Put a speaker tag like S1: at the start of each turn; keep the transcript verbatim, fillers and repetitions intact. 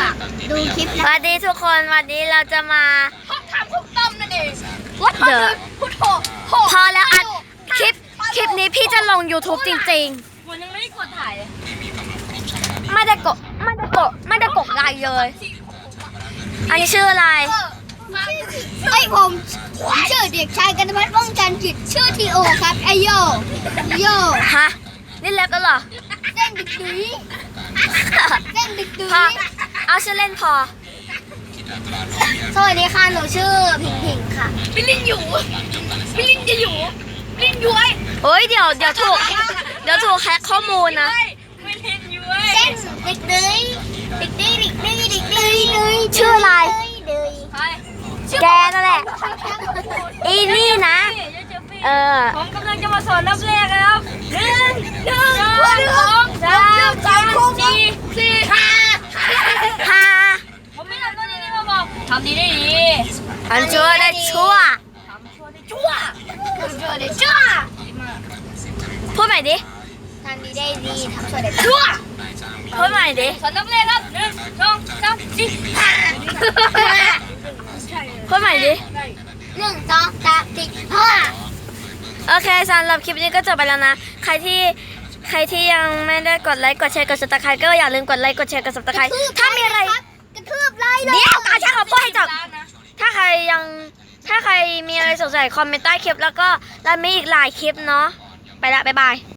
S1: ฝากดูคลิป
S2: ส
S1: นะ
S2: วัสดีทุกคนวันนี้เราจะมา
S1: ทำคุกต้มนั่นเองวัด
S2: เดอะ
S1: พุทโธ
S2: พอแล้วอัดคลิปคลิปนี้พี่จะลง YouTube จริง
S1: วันยังไม่ได้กดถ่ายเลย
S2: ๆ ไม่ได้กดไม่ได้กดไม่ได้กดไลค์เลย อันนี้ชื่ออะไร
S1: ไอยผมผมชื่อเด็กชายกันพัฒน์ว่องจันทร์จิตชื่อทีโอครับไอโยโย
S2: ฮะ นี่เล็บแล้วเหรอ
S1: เล่นดึกดุยเล่นดึกดุ
S2: พอย เอาชื่อเล่นพอ
S1: สวัสดีค่ะหนูชื่อผิงผิงค่ะพี่ลินอยู่พี่ลินจะอยู่ลินย้วย
S2: เฮ้ยเดี๋ยวเดี๋ยวถูกเดี๋ยวถูกแฮกข้อมูลนะ
S1: ไม่ลินย้วยเล่นดึกดุยดึกดุยดึกดุยดึกดุยดุย
S2: ชื่ออะไร
S1: ดุย
S2: แกนั่นแหละ อีนี่นะ เออ
S3: ผมกำลังจะมาสอนนับเลขครับหนึ่งหนึ่ง
S1: สองสามสามสี่สี่ห้า
S2: ฮา
S3: ผมไม่ทำตัวนี้มาบอกทำดีได้ดี
S2: ทำชั่วได้ชั่ว
S3: ทำชั่วได้ชั่ว
S1: ชั่วได้ชั่ว
S2: พูดใหม่ดิ
S1: ทำดีได้ดีทำชั่วได้ชั่ว
S2: พูดใหม่ดิ
S3: สอนนับเลขครับหนึ่งสองสามสี่ห้า
S2: พูดใหม่ดิ
S1: หนึ่งสองสามสี่ห้า
S2: โอเคสำหรับคลิปนี้ก็จบไปแล้วนะ ใครที่ใครที่ยังไม่ได้กดไลค์กดแชร์กดซับสไครต์ก็อย่าลืมกดไลค์กดแชร์กดซับสไครต์ถ้ามีอะไร
S1: กระทืบไล่เลย
S2: เดี๋ยวตาช่างเขาพูดให้จบถ้าใครยังถ้าใครมีอะไรสงสัยคอมเมนต์ใต้คลิปแล้วก็เรามีอีกหลายคลิปเนาะไปละบ๊ายบาย